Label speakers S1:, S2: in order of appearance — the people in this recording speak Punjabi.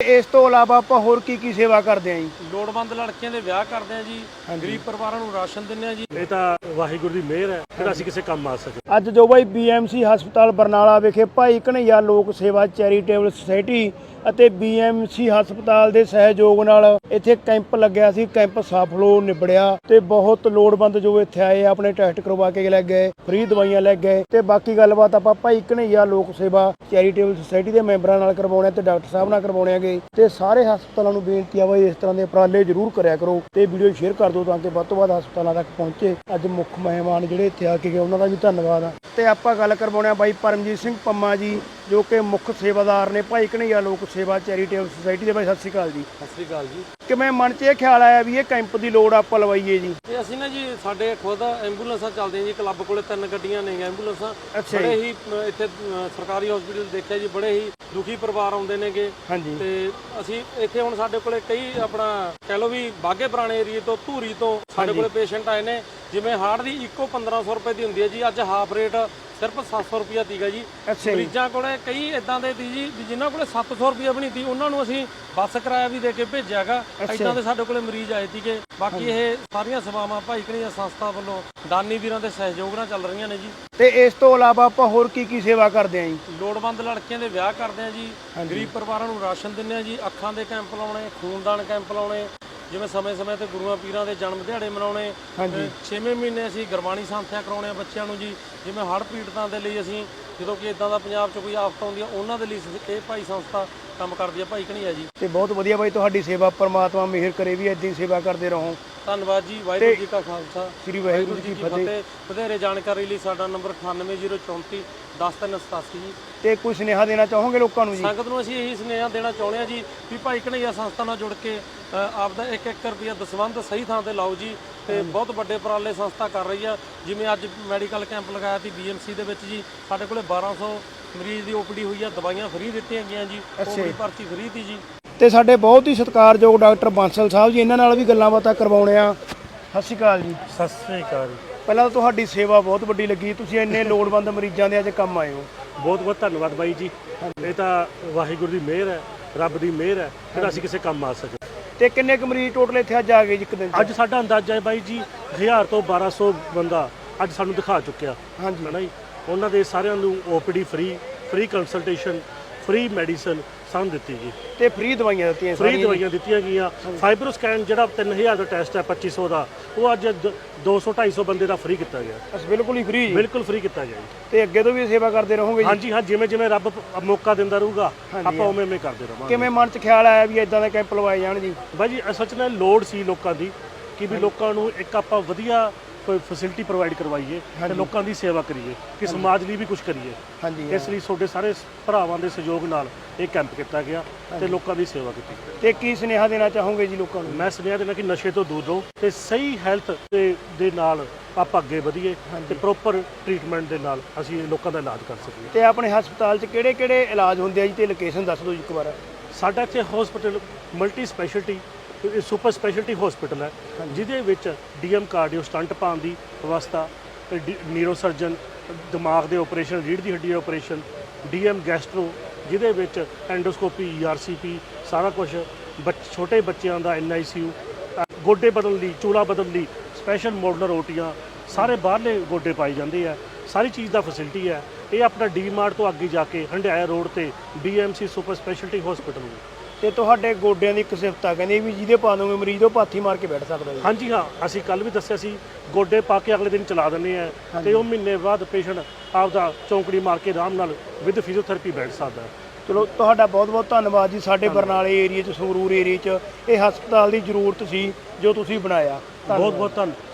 S1: ਇਸ ਤੋਂ ਇਲਾਵਾ ਆਪਾਂ ਹੋਰ ਕੀ ਸੇਵਾ ਕਰਦੇ ਆਂ ਜੀ?
S2: ਲੋੜਵੰਦ ਲੜਕੀਆਂ ਦੇ ਵਿਆਹ ਕਰਦੇ ਆਂ ਜੀ, ਗਰੀਬ ਪਰਿਵਾਰਾਂ ਨੂੰ ਰਾਸ਼ਨ ਦਿੰਦੇ ਆਂ ਜੀ।
S3: ਇਹ ਤਾਂ ਵਾਹਿਗੁਰੂ ਦੀ ਮਿਹਰ ਹੈ ਕਿ ਅਸੀਂ ਕਿਸੇ ਕੰਮ ਆ ਸਕੇ।
S1: ਅੱਜ ਜੋ ਬਾਈ BMC ਹਸਪਤਾਲ ਬਰਨਾਲਾ ਵਿਖੇ ਭਾਈ ਘਨੱਈਆ ਲੋਕ ਸੇਵਾ ਚੈਰੀਟੇਬਲ ਸੁਸਾਇਟੀ ਅਤੇ BMC ਹਸਪਤਾਲ ਦੇ ਸਹਿਯੋਗ ਨਾਲ ਇੱਥੇ ਕੈਂਪ ਲੱਗਿਆ ਸੀ। ਕੈਂਪ ਸਫਲ ਨਿਬੜਿਆ ਤੇ ਬਹੁਤ ਲੋੜਵੰਦ ਜੋ ਇੱਥੇ ਆਏ ਆਪਣੇ ਟੈਸਟ ਕਰਵਾ ਕੇ ਲੈ ਗਏ, ਫ੍ਰੀ ਦਵਾਈਆਂ ਲੈ ਗਏ ਤੇ ਬਾਕੀ ਗੱਲਬਾਤ ਆਪਾਂ ਭਾਈ ਘਨੱਈਆ ਲੋਕ ਸੇਵਾ ਚੈਰੀਟੇਬਲ ਸੁਸਾਇਟੀ ਦੇ ਮੈਂਬਰਾਂ ਨਾਲ ਕਰਵਾਉਣੇ ਤੇ ਡਾਕਟਰ ਸਾਹਿਬ ਨਾਲ ਕਰਵਾਉਣੇ ਹੈਗੇ। ਤੇ ਸਾਰੇ ਹਸਪਤਾਲਾਂ ਨੂੰ ਬੇਨਤੀ ਆ ਬਾਈ ਇਸ ਤਰ੍ਹਾਂ ਦੇ ਉਪਰਾਲੇ ਜ਼ਰੂਰ ਕਰਿਆ ਕਰੋ ਤੇ ਵੀਡੀਓ ਸ਼ੇਅਰ ਕਰ ਦਿਓ ਤਾਂ ਕਿ ਵੱਧ ਤੋਂ ਵੱਧ ਹਸਪਤਾਲਾਂ ਤੱਕ ਪਹੁੰਚੇ। ਅੱਜ ਮੁੱਖ ਮਹਿਮਾਨ ਜਿਹੜੇ ਇੱਥੇ ਆ ਕੇ ਗਏ ਉਹਨਾਂ ਦਾ ਵੀ ਧੰਨਵਾਦ ਆ। ਤੇ ਆਪਾਂ ਗੱਲ ਕਰਵਾਉਣੇ ਆ ਬਾਈ ਪਰਮਜੀਤ ਸਿੰਘ ਪੰਮਾ ਜੀ ਜੋ ਕਿ ਮੁੱਖ ਸੇਵਾਦਾਰ ਨੇ ਭਾਈ ਘਨੱਈਆ ਲੋਕ ਸੇਵਾ ਚੈਰੀਟੇਬਲ ਸੁਸਾਇਟੀ ਦੇ। ਬਾਈ ਸਤਿ ਸ਼੍ਰੀ ਅਕਾਲ ਜੀ।
S2: ਸਤਿ ਸ੍ਰੀ ਅਕਾਲ ਜੀ।
S1: ਕਿਵੇਂ ਮਨ 'ਚ ਇਹ ਖਿਆਲ ਆਇਆ ਵੀ ਇਹ ਕੈਂਪ ਦੀ ਲੋੜ ਆਪਾਂ ਲਵਾਈਏ ਜੀ?
S2: ਤੇ ਅਸੀਂ ਨਾ ਜੀ ਸਾਡੇ ਖੁਦ ਐਂਬੂਲੈਂਸਾਂ ਚੱਲਦੀਆਂ ਜੀ, ਕਲੱਬ ਕੋਲੇ 3 ਗੱਡੀਆਂ ਨੇ ਐਂਬੂਲੈਂਸਾਂ।
S1: ਅੱਛਾ
S2: ਬੜੇ ਹੀ ਇੱਥੇ ਸਰਕਾਰੀ ਹਸਪੀਟਲ ਦੇਖਿਆ ਜੀ, ਬੜੇ ਹੀ ਦੁਖੀ ਪਰਿਵਾਰ ਆਉਂਦੇ ਨੇਗੇ।
S1: ਹਾਂਜੀ।
S2: ਤੇ ਅਸੀਂ ਇੱਥੇ ਹੁਣ ਸਾਡੇ ਕੋਲੇ ਕਈ ਆਪਣਾ ਕਹਿ ਲਓ ਵੀ ਬਾਘੇ ਪੁਰਾਣੇ ਏਰੀਏ ਤੋਂ, ਧੂਰੀ ਤੋਂ ਸਾਡੇ ਕੋਲੇ ਪੇਸ਼ੈਂਟ ਆਏ ਨੇ। ਜਿਵੇਂ ਹਾਰਟ ਦੀ ਇੱਕੋ 1500 ਰੁਪਏ ਦੀ ਹੁੰਦੀ ਹੈ ਜੀ, ਅੱਜ ਹਾਫ ਰੇਟ ਸਿਰਫ 700 ਰੁਪਇਆ ਸੀਗਾ ਜੀ। ਮਰੀਜ਼ਾਂ ਕੋਲੇ ਕਈ ਇਦਾਂ ਦੇ ਸੀ ਜੀ ਜਿਨ੍ਹਾਂ ਕੋਲੇ 700 ਰੁਪਇਆ ਵੀ ਨਹੀਂ ਸੀ, ਉਹਨਾਂ ਨੂੰ ਅਸੀਂ ਬੱਸ ਕਿਰਾਇਆ ਵੀ ਦੇ ਕੇ ਭੇਜਿਆਗਾ। ਇਦਾਂ ਦੇ ਸਾਡੇ ਕੋਲੇ ਮਰੀਜ਼ ਆਏ ਸੀਗੇ। ਬਾਕੀ ਇਹ ਸਾਰੀਆਂ ਸੇਵਾਵਾਂ ਭਾਈ ਘਨੱਈਆ ਸੰਸਥਾ ਵੱਲੋਂ ਦਾਨੀ ਵੀਰਾਂ ਦੇ ਸਹਿਯੋਗ ਨਾਲ ਚੱਲ ਰਹੀਆਂ ਨੇ ਜੀ।
S1: ਤੇ ਇਸ ਤੋਂ ਇਲਾਵਾ ਆਪਾਂ ਹੋਰ ਕੀ ਸੇਵਾ ਕਰਦੇ ਆਂ ਜੀ?
S2: ਲੋੜਵੰਦ ਲੜਕੀਆਂ ਦੇ ਵਿਆਹ ਕਰਦੇ ਆਂ ਜੀ, ਗਰੀਬ ਪਰਿਵਾਰਾਂ ਨੂੰ ਰਾਸ਼ਨ ਦਿੰਦੇ ਆਂ ਜੀ, ਅੱਖਾਂ ਦੇ ਕੈਂਪ ਲਾਉਣੇ, ਖੂਨਦਾਨ ਕੈਂਪ ਲਾਉਣੇ, ਜਿਵੇਂ ਸਮੇਂ-ਸਮੇਂ ਤੇ ਗੁਰੂਆਂ ਪੀਰਾਂ ਦੇ ਜਨਮ ਦਿਹਾੜੇ ਮਨਾਉਣੇ। 6ਵੇਂ ਮਹੀਨੇ ਅਸੀਂ ਗੁਰਬਾਣੀ ਸੰਥਿਆ ਕਰਾਉਣੇ ਆ ਬੱਚਿਆਂ ਨੂੰ ਜੀ। ਜਿਵੇਂ ਹੜ੍ਹ ਪੀੜਤਾਂ ਦੇ ਲਈ ਅਸੀਂ ਜਦੋਂ ਕਿ ਇਦਾਂ ਦਾ ਪੰਜਾਬ 'ਚ ਕੋਈ ਆਫਤ ਆਉਂਦੀ ਆ ਉਹਨਾਂ ਦੇ ਲਈ ਇਹ ਭਾਈ ਸੰਸਥਾ ਕੰਮ ਕਰਦੀ ਆ ਭਾਈ ਘਨੱਈਆ ਜੀ।
S1: ਤੇ ਬਹੁਤ ਵਧੀਆ ਬਾਈ ਤੁਹਾਡੀ ਸੇਵਾ, ਪਰਮਾਤਮਾ ਮਿਹਰ ਕਰੇ ਵੀ ਏਦਾਂ ਹੀ ਸੇਵਾ ਕਰਦੇ ਰਹੋ।
S2: ਧੰਨਵਾਦ ਜੀ। ਵਾਹਿਗੁਰੂ ਜੀ ਕਾ ਖਾਲਸਾ,
S1: ਸ੍ਰੀ ਵਾਹਿਗੁਰੂ ਜੀ ਕੀ ਫਤਿਹ।
S2: ਵਧੇਰੇ ਜਾਣਕਾਰੀ ਲਈ ਸਾਡਾ ਨੰਬਰ 9804 10387 ਜੀ।
S1: ਤੇ ਕੋਈ ਸੁਨੇਹਾ ਦੇਣਾ ਚਾਹੋਗੇ ਲੋਕਾਂ ਨੂੰ ਜੀ?
S2: ਸੰਗਤ ਨੂੰ ਅਸੀਂ ਇਹੀ ਸੁਨੇਹਾ ਦੇਣਾ ਚਾਹੁੰਦੇ ਹਾਂ ਜੀ ਵੀ ਭਾਈ ਘਨੱਈਆ ਸੰਸਥਾ ਨਾਲ ਜੁੜ ਕੇ ਆਪਦਾ 1-1 ਰੁਪਿਆ ਦਸਵੰਧ ਸਹੀ ਥਾਂ ਤੇ ਲਾਓ ਜੀ। ਤੇ ਬਹੁਤ ਵੱਡੇ ਉਪਰਾਲੇ ਸੰਸਥਾ ਕਰ ਰਹੀ ਆ। ਜਿਵੇਂ ਅੱਜ ਮੈਡੀਕਲ ਕੈਂਪ ਲਗਾਇਆ ਸੀ BMC ਦੇ ਵਿੱਚ ਜੀ, ਸਾਡੇ ਕੋਲੇ 1200 ਮਰੀਜ਼ ਦੀ OPD ਹੋਈ ਆ, ਦਵਾਈਆਂ ਫ੍ਰੀ ਦਿੱਤੀਆਂ ਗਈਆਂ ਜੀ, OPD ਭਰਤੀ ਫ੍ਰੀ ਦੀ ਜੀ। ਤੇ
S1: ਸਾਡੇ ਬਹੁਤ ਹੀ ਸਤਿਕਾਰਯੋਗ ਡਾਕਟਰ ਬਾਂਸਲ ਸਾਹਿਬ ਜੀ, ਇਹਨਾਂ ਨਾਲ ਵੀ ਗੱਲਾਂ ਬਾਤਾਂ ਕਰਵਾਉਣੇ ਆ। ਸਤਿ ਸ਼੍ਰੀ ਅਕਾਲ ਜੀ।
S3: ਸਤਿ ਸ੍ਰੀ ਅਕਾਲ।
S1: ਪਹਿਲਾਂ ਤਾਂ ਤੁਹਾਡੀ ਸੇਵਾ ਬਹੁਤ ਵੱਡੀ ਲੱਗੀ, ਤੁਸੀਂ ਇੰਨੇ ਲੋੜਵੰਦ ਮਰੀਜ਼ਾਂ ਦੇ ਅੱਜ ਕੰਮ ਆਏ ਹੋ।
S3: ਬਹੁਤ ਬਹੁਤ ਧੰਨਵਾਦ ਬਾਈ ਜੀ। ਇਹ ਤਾਂ ਵਾਹਿਗੁਰੂ ਦੀ ਮਿਹਰ ਹੈ, ਰੱਬ ਦੀ ਮਿਹਰ ਹੈ ਕਿ ਅਸੀਂ ਕਿਸੇ ਕੰਮ ਆ ਸਕੇ।
S1: ਤੇ ਕਿੰਨੇ ਕੁ ਮਰੀਜ਼ ਟੋਟਲ ਇੱਥੇ ਅੱਜ ਆ ਗਏ ਜੀ ਇੱਕ ਦਿਨ 'ਚ?
S3: ਅੱਜ ਸਾਡਾ ਅੰਦਾਜ਼ਾ ਹੈ ਬਾਈ ਜੀ 1000 ਤੋਂ 1200 ਬੰਦਾ ਅੱਜ ਸਾਨੂੰ ਦਿਖਾ ਚੁੱਕਿਆ।
S1: ਹਾਂਜੀ
S3: ਹੈ ਨਾ ਜੀ। ਉਹਨਾਂ ਦੇ ਸਾਰਿਆਂ ਨੂੰ OPD free consultation, free medicine ਸਾਨੂੰ ਦਿੱਤੀ ਗਈ
S1: ਤੇ ਫ੍ਰੀ ਦਵਾਈਆਂ ਦਿੱਤੀਆਂ।
S3: ਫ੍ਰੀ ਦਵਾਈਆਂ ਦਿੱਤੀਆਂ ਗਈਆਂ। ਫਾਈਬਰੋ ਸਕੈਨ ਜਿਹੜਾ 3000 ਦਾ ਟੈਸਟ ਹੈ 2500 ਦਾ, ਉਹ ਅੱਜ 200-250 ਬੰਦੇ ਦਾ ਫ੍ਰੀ ਕੀਤਾ ਗਿਆ।
S1: ਬਸ ਬਿਲਕੁਲ ਹੀ ਫ੍ਰੀ ਜੀ।
S3: ਬਿਲਕੁਲ ਫ੍ਰੀ ਕੀਤਾ ਗਿਆ ਜੀ।
S1: ਤੇ ਅੱਗੇ ਤੋਂ ਵੀ ਸੇਵਾ ਕਰਦੇ ਰਹੋਗੇ ਜੀ?
S3: ਹਾਂਜੀ ਹਾਂ, ਜਿਵੇਂ ਰੱਬ ਮੌਕਾ ਦਿੰਦਾ ਰਹੂਗਾ ਆਪਾਂ ਉਵੇਂ ਕਰਦੇ ਰਹਾਂਗੇ।
S1: ਕਿਵੇਂ ਮਨ 'ਚ ਖਿਆਲ ਆਇਆ ਵੀ ਇਦਾਂ ਦੇ ਕੈਂਪ ਲਵਾਏ ਜਾਣ ਜੀ?
S3: ਬਾਈ ਜੀ ਸੱਚ ਨਾਲ ਲੋੜ ਸੀ ਲੋਕਾਂ ਦੀ ਕਿ ਵੀ ਲੋਕਾਂ ਨੂੰ ਇੱਕ ਆਪਾਂ ਵਧੀਆ ਕੋਈ ਫੈਸਿਲਿਟੀ ਪ੍ਰੋਵਾਈਡ ਕਰਵਾਈਏ ਤੇ ਲੋਕਾਂ ਦੀ ਸੇਵਾ ਕਰੀਏ, ਕਿ ਸਮਾਜ ਲਈ ਵੀ ਕੁਝ ਕਰੀਏ। ਇਸ ਲਈ ਤੁਹਾਡੇ ਸਾਰੇ ਭਰਾਵਾਂ ਦੇ ਸਹਿਯੋਗ ਨਾਲ ਇਹ ਕੈਂਪ ਕੀਤਾ ਗਿਆ ਤੇ ਲੋਕਾਂ ਦੀ ਸੇਵਾ ਕੀਤੀ।
S1: ਤੇ ਕੀ ਸੁਨੇਹਾ ਦੇਣਾ ਚਾਹੋਗੇ ਜੀ ਲੋਕਾਂ ਨੂੰ?
S3: ਮੈਂ ਸੁਨੇਹਾ ਦੇਣਾ ਕਿ ਨਸ਼ੇ ਤੋਂ ਦੂਰ ਰਹੋ ਤੇ ਸਹੀ ਹੈਲਥ ਦੇ ਨਾਲ ਆਪਾਂ ਅੱਗੇ ਵਧੀਏ ਤੇ ਪ੍ਰੋਪਰ ਟ੍ਰੀਟਮੈਂਟ ਦੇ ਨਾਲ ਅਸੀਂ ਲੋਕਾਂ ਦਾ ਇਲਾਜ ਕਰ ਸਕੀਏ।
S1: ਤੇ ਆਪਣੇ ਹਸਪਤਾਲ 'ਚ ਕਿਹੜੇ ਇਲਾਜ ਹੁੰਦੇ ਆ ਜੀ, ਤੇ ਲੋਕੇਸ਼ਨ ਦੱਸ ਦਿਓ ਜੀ ਇੱਕ ਵਾਰ।
S3: ਸਾਡਾ ਇੱਥੇ hospital multi speciality super speciality hospital ਹੈ, ਜਿਹਦੇ ਵਿੱਚ DM ਕਾਰਡੀਓ ਸਟੰਟ ਪਾਉਣ ਦੀ ਵਿਵਸਥਾ, ਨਿਊਰੋ ਸਰਜਨ ਦਿਮਾਗ ਦੇ ਆਪਰੇਸ਼ਨ, ਰੀੜ੍ਹ ਦੀ ਹੱਡੀ ਦੇ ਆਪਰੇਸ਼ਨ, DM ਗੈਸਟਰੋ ਜਿਹਦੇ ਵਿੱਚ ਐਂਡੋਸਕੋਪੀ, ERCP ਸਾਰਾ ਕੁਝ, ਛੋਟੇ ਬੱਚਿਆਂ ਦਾ NICU, ਗੋਡੇ ਬਦਲਣ ਲਈ, ਚੂਲਾ ਬਦਲਣ ਲਈ ਸਪੈਸ਼ਲ ਮੋਡਲਰ OTਆਂ, ਸਾਰੇ ਬਾਹਰਲੇ ਗੋਡੇ ਪਾਏ ਜਾਂਦੇ ਆ। ਸਾਰੀ ਚੀਜ਼ ਦਾ ਫੈਸਿਲਿਟੀ ਹੈ। ਇਹ ਆਪਣਾ DMart ਤੋਂ ਅੱਗੇ ਜਾ ਕੇ ਹੰਡਿਆਇਆ ਰੋਡ ਤੇ BMC ਸੁਪਰ ਸਪੈਸ਼ਲਟੀ ਹਸਪੀਟਲ ਨੂੰ।
S1: ਤੇ ਤੁਹਾਡੇ ਗੋਡਿਆਂ ਦੀ ਇੱਕ ਸਿਫਤ ਆ, ਕਹਿੰਦੇ ਵੀ ਜਿਹਦੇ ਪਾ ਦੋਗੇ ਮਰੀਜ਼ ਉਹ ਪਾਥੀ ਮਾਰ ਕੇ ਬੈਠ ਸਕਦਾ ਜੀ।
S3: ਹਾਂਜੀ ਹਾਂ, ਅਸੀਂ ਕੱਲ ਵੀ ਦੱਸਿਆ ਸੀ ਗੋਡੇ ਪਾ ਕੇ ਅਗਲੇ ਦਿਨ ਚਲਾ ਦਿੰਦੇ ਆ ਤੇ ਉਹ ਮਹੀਨੇ ਬਾਅਦ ਪੇਸ਼ੈਂਟ ਆਪਦਾ ਚੌਂਕੜੀ ਮਾਰ ਕੇ ਆਰਾਮ ਨਾਲ ਵਿਦ ਫਿਜ਼ੀਓਥੈਰੇਪੀ ਬੈਠ ਸਕਦਾ।
S1: ਚਲੋ ਤੁਹਾਡਾ ਬਹੁਤ ਬਹੁਤ ਧੰਨਵਾਦ ਜੀ। ਸਾਡੇ ਬਰਨਾਲੇ ਏਰੀਏ 'ਚ, ਸੰਗਰੂਰ ਏਰੀਏ 'ਚ ਇਹ ਹਸਪਤਾਲ ਦੀ ਜ਼ਰੂਰਤ ਸੀ ਜੋ ਤੁਸੀਂ ਬਣਾਇਆ।
S3: ਬਹੁਤ ਬਹੁਤ ਧੰਨਵਾਦ।